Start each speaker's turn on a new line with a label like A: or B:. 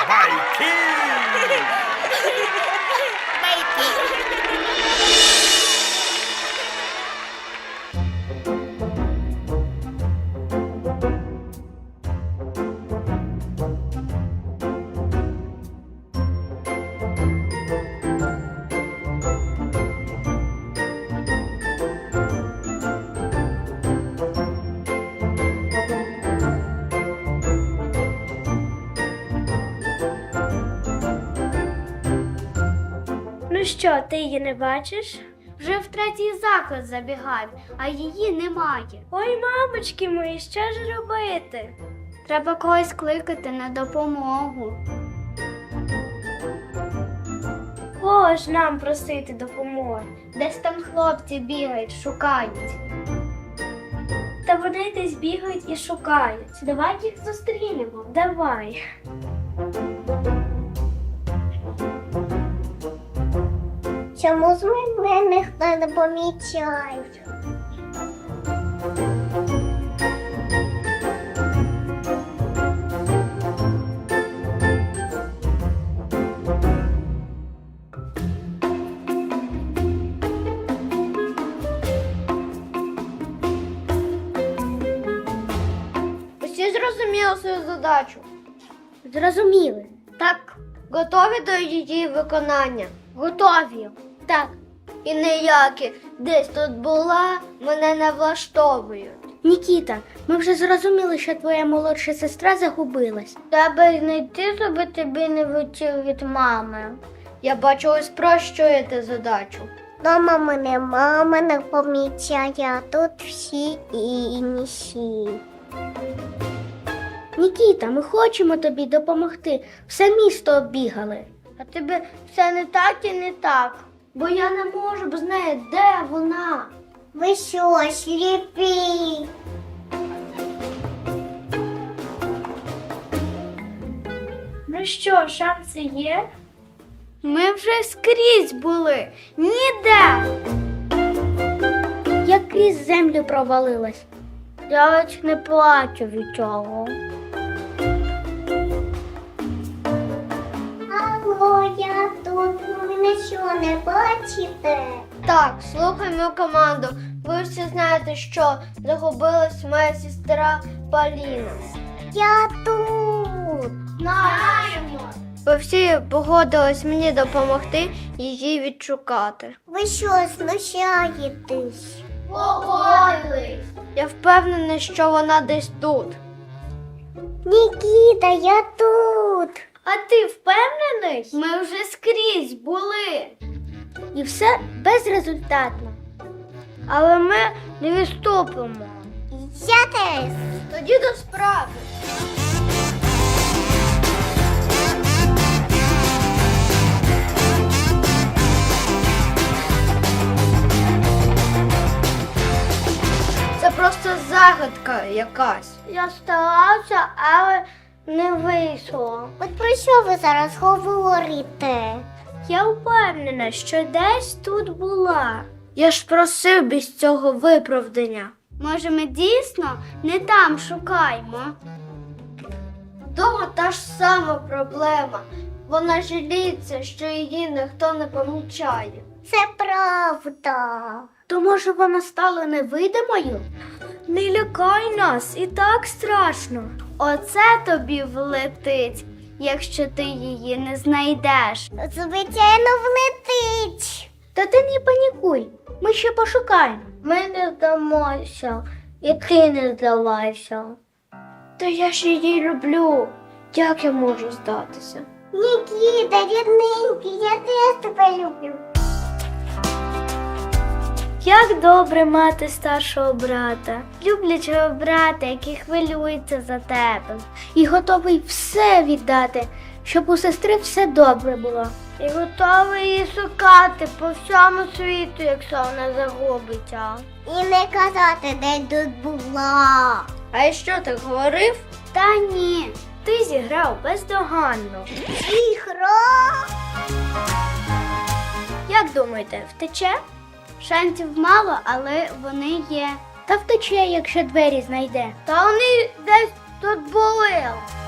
A: Байки!
B: Ну що, ти її не бачиш? Вже в третій заклад забігаю, а її немає. Ой, мамочки мої, що ж робити? Треба когось кликати на допомогу. Кого ж нам просити допомоги? Десь там хлопці бігають, шукають. Та вони десь бігають і шукають. Давай їх зустрінемо. Давай.
C: Чому з мене ніхто не помічає?
B: Усі зрозуміли свою задачу?
C: Зрозуміли.
B: Так. Готові до її виконання? Готові. Так. І ніякі десь тут була, мене не влаштовують.
C: Нікіта, ми вже зрозуміли, що твоя молодша сестра загубилась.
B: Треба знайти, щоб тобі не втів від мами. Я бачу, ви спрощуєте задачу.
C: Дома мене мама не помічає, а тут всі інші. Нікіта, ми хочемо тобі допомогти. Все місто оббігали.
B: А тебе все не так і не так. Бо я не можу б знати, де вона.
C: Ви що, сліпі?
B: Ну що, шанси є? Ми вже скрізь були. Ніде.
C: Я крізь землю провалилась.
B: Я ледь не плачу від цього.
C: Алло, я тут. Ви мене що, не бачите?
B: Так, слухай мою команду. Ви всі знаєте, що загубилась моя сестра Поліна.
C: Я тут.
B: Знаємо. Ви всі погодились мені допомогти її відшукати.
C: Ви що, знущаєтесь?
B: Погодились. Я впевнена, що вона десь тут.
C: Нікіта, я тут.
B: А ти впевнений? Ми вже скрізь були.
C: І все безрезультатно.
B: Але ми не відступимо.
C: Я теж.
B: Тоді до справи. Це просто загадка якась. Я старався, але не вийшло.
C: От про що ви зараз говорите?
B: Я впевнена, що десь тут була. Я ж просив без цього виправдання. Може, ми дійсно не там шукаємо? Дома та ж сама проблема. Вона жаліється, що її ніхто не помічає.
C: Це правда.
B: То може вона стала невидимою? Не лякай нас, і так страшно. Оце тобі влетить, якщо ти її не знайдеш.
C: Звичайно, влетить.
B: Та ти не панікуй, ми ще пошукаємо. Ми не здамося, і ти не здавайся. Та я ж її люблю. Як я можу здатися?
C: Нікіта, рідненький, я теж тебе люблю.
B: Як добре мати старшого брата, люблячого брата, який хвилюється за тебе. І готовий все віддати, щоб у сестри все добре було. І готовий її шукати по всьому світу, якщо вона загубиться.
C: І не казати, де тут була.
B: А я що, так говорив? Та ні, ти зіграв бездоганно.
C: Ігра.
B: Як думаєте, втече? Шансів мало, але вони є.
C: Та втече, якщо двері знайде.
B: Та вони десь тут були.